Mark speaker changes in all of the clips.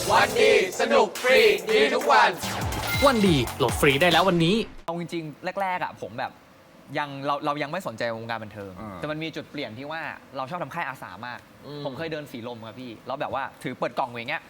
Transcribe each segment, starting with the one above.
Speaker 1: วันดีสนุกฟรีดีทุกวัน
Speaker 2: วันดีโหลดฟรีได้แล้ววันนี้
Speaker 3: เอาจริงๆแรกๆอ่ะผมแบบเรายังไม่สนใจวงการบันเทิงแต่มันมีจุดเปลี่ยนที่ว่าเราชอบทำค่ายอาสามากผมเคยเดินสีลมครับพี่แล้วแบบว่าถือเปิดกล่องอย่างเงี้ย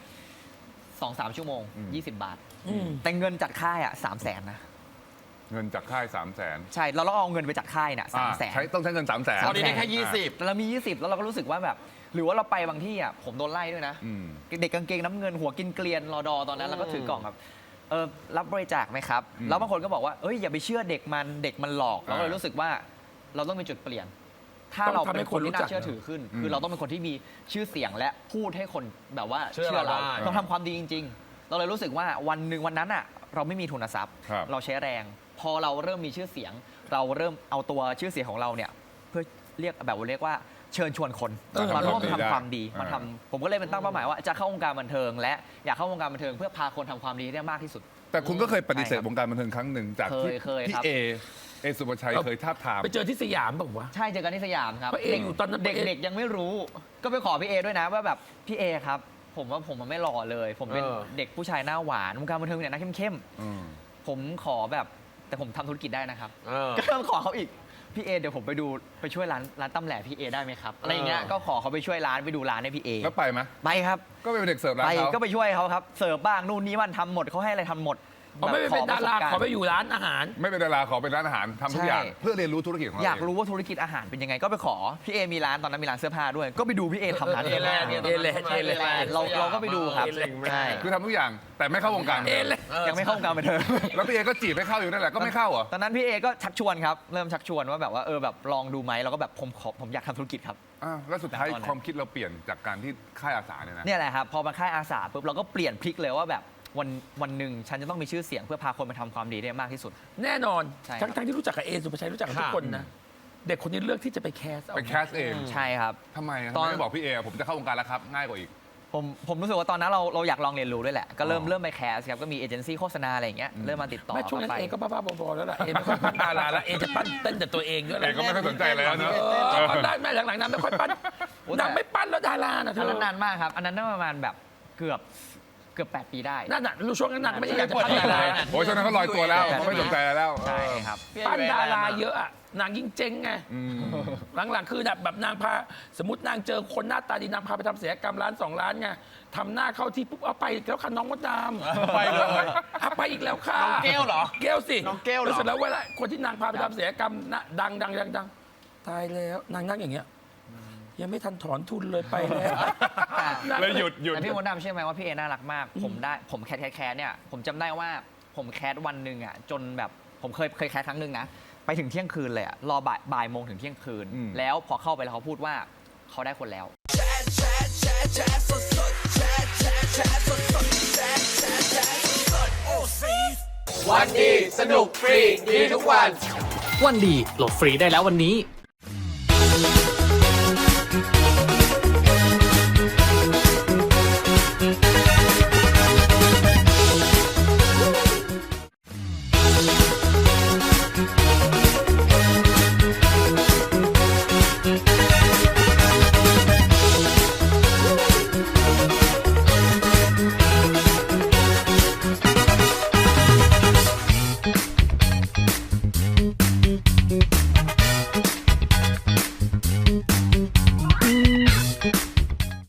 Speaker 3: 2-3 ชั่วโมง20 บาทแต่เงินจัดค่ายอ่ะ300,000นะ
Speaker 4: เงินจากค่าย300,000
Speaker 3: ใช่เราเอาเงินไปจัดค่ายเนี่ย300,000
Speaker 4: ต้องใช้เงิน300,000
Speaker 1: ตอนนี้ได้แค่20
Speaker 3: แต่เรามี20แล้วเราก็รู้สึกว่าแบบหรือว่าเราไปบางที่อ่ะผมโดนไล่ด้วยนะเด็กกางเกงน้ำเงินหัวกินเกลียนรอดอตอนนั้นเราก็ถือกล่องแบบรับบริจาคไหมครับแล้วบางคนก็บอกว่าอย่าไปเชื่อเด็กมันหลอกเราก็เลยรู้สึกว่าเราต้องมีจุดเปลี่ยนถ้าเราเป็นคนที่น่าเชื่อถือขึ้นคือเราต้องเป็นคนที่มีชื่อเสียงและพูดให้คนแบบว่าเชื่อเราต้องทำความดีจริงๆเราเลยรู้สึกว่าวันหนึ่งวันนั้นอ่ะเราไม่มีทุนทรัพย์เราใช้แรงพอเราเริ่มมีชื่อเสียงเราเริ่มเอาตัวชื่อเสียงของเราเนี่ยเพื่อเรียกว่าเชิญชวนคนมาร่วมทำความดีมาทำผมก็เลยเป็นตั้งเป้าหมายว่าจะเข้าวงการบันเทิงและอยากเข้าวงการบันเทิงเพื่อพาคนทำความดีได้มากที่สุด
Speaker 4: แต่คุณก็เคยปฏิเสธวงการบันเทิงครั้งหนึ่งจากที่พี่เอสุภชัยเคยทาบทาม
Speaker 5: ไปเจอที่สยามบอกว่า
Speaker 3: ใช่เจอกันที่สยามครับ
Speaker 5: พระเออยู่ตอนนั้น
Speaker 3: เด็กๆยังไม่รู้ก็ไปขอพี่เอด้วยนะว่าแบบพี่เอครับผมว่าผมมันไม่หล่อเลยผมเป็นเด็กผู้ชายหน้าหวานวงการบันเทิงเนี่ยนะเข้มผมขอแบบแต่ผมทำธุรกิจได้นะครับก็ต้องขอเขาอีกพี่เอเดี๋ยวผมไปช่วยร้านตำแหล่พี่เอได้ไหมครับอะไรเงี้ยก็ขอเขาไปช่วยร้านไปดูร้านให้พี่เอ
Speaker 4: แล้วไปไหม
Speaker 3: ไปครับ
Speaker 4: ก็เป็นเด็กเสิร์ฟร้านเขา
Speaker 3: ก็ไปช่วยเขาครับเสิร์ฟบ้างนู่นนี่มันทำหมดเขาให้อะไรทำหมด
Speaker 5: ไม่เป็นดาราขอไปอยู่ร้านอาหาร
Speaker 4: ไม่เป็นดาราขอเป็นร้านอาหารทำทุกอย่างเพื่อเรียนรู้ธุรกิจของเรา
Speaker 3: อยากรู้ว่าธุรกิจอาหารเป็นยังไงก็ไปขอพี่เอมีร้านตอนนั้นมีร้านเสื้อผ้าด้วยก็ไปดูพี่เอทำร้านเสื้อผ้าเราก็ไปดูครับใช่
Speaker 4: คือทำทุกอย่างแต่ไม่เข้าวงการ
Speaker 3: ยังไม่เข้าวงการบันเทิง
Speaker 4: แล้วพี่เอก็จีบไม่เข้าอยู่นั่นแหละก็ไม่เข้าเหรอ
Speaker 3: ตอนนั้นพี่เอก็ชักชวนครับเริ่มชักชวนว่าแบบว่าแบบลองดูไหมเราก็แบบผมอยากทำธุรกิจครับ
Speaker 4: แล้วสุดท้ายความคิดเราเปลี่ยนจากการที่ค่ายอาสาเนี่ยนะ
Speaker 3: เนี่ยแหละครับพอมาค่ายอาสาปุ๊บเราก็เปลี่ยนพลิกเลยว่าแบบวันหนึ่งฉันจะต้องมีชื่อเสียงเพื่อพาคนมาทำความดีได้มากที่สุด
Speaker 5: แน่นอนทั้งที่รู้จักกับเอสุภชัยรู้จักกับทุกคนนะเด็กคนนี้เลือกที่จะไปแคส
Speaker 4: เอง
Speaker 3: ใช่ครับ
Speaker 4: ทำไมตอนไม่บอกพี่เอผมจะเข้าวงการแล้วครับง่ายกว่าอีก
Speaker 3: ผมรู้สึกว่าตอนนั้นเราอยากลองเรียนรู้ด้วยแหละก็เริ่มไปแคสครับก็มีเอเจนซี่โฆษณาอะไรอย่างเงี้ยเริ่มมาติดต่อ
Speaker 5: ไม่ช่วงนั้นเอก็บ้าๆบอๆแล้วล่ะเอไม่ค่อยปั้นดาราแล้วเอจะปั้นเต้นแต่ตัวเองด้วยแหละ
Speaker 4: เอก็ไม่ค่อยสนใจแล้วเนอะ
Speaker 5: ได้แม่หลังๆนั้นไม่ค่อยปั้นนางไม่ปั้นแล้วดารานะ
Speaker 3: อันนั้นนานมากครับอันนั้นประมาณแบบเกือบ8 ปีได้
Speaker 5: นั่นน่ะรู้ช่วงนั้นนางไม่ได้อยากจะปั้นดารา
Speaker 4: โอ้ยช่วงนั้นเขาลอยตัวแล้วเขาไม่สนใจแล้ว
Speaker 3: ใช่ครับ
Speaker 5: ปั้นดาราเยอะอะนางยิ่งเจ๊งไงหลังๆคือแบบนางพาสมมตินางเจอคนหน้าตาดีนางพาไปทำศัลยกรรม1-2 ล้านไงทำหน้าเข้าที่ปุ๊บเอาไปแล้วค่ะน้องมดดำ
Speaker 1: ไปเลย
Speaker 5: ไปอีกแล้วค่ะ
Speaker 1: น้องเกลเหรอ
Speaker 5: เกลสิ
Speaker 1: น้องเกลเหรอ
Speaker 5: เสร็จแล้วเวลาคนที่นางพาไปทำศัลยกรรมดังตายแล้วนางนั่งอย่างเงี้ยยังไม่ทันถอนทุนเลยไปแล้ว
Speaker 4: เลยหยุด
Speaker 3: แต่พี่มดดำเชื่อไหมว่าพี่เอน่ารักมากผมแคสเนี่ยผมจำได้ว่าผมแคสวันหนึ่งอ่ะจนแบบผมเคยแคสครั้งหนึ่งนะไปถึงเที่ยงคืนเลยอ่ะรอบ่ายโมงถึงเที่ยงคืนแล้วพอเข้าไปแล้วเขาพูดว่าเขาได้คนแล้ว
Speaker 1: วันดีสนุกฟรีดีทุกวัน
Speaker 2: วันดีโหลดฟรีได้แล้ววันนี้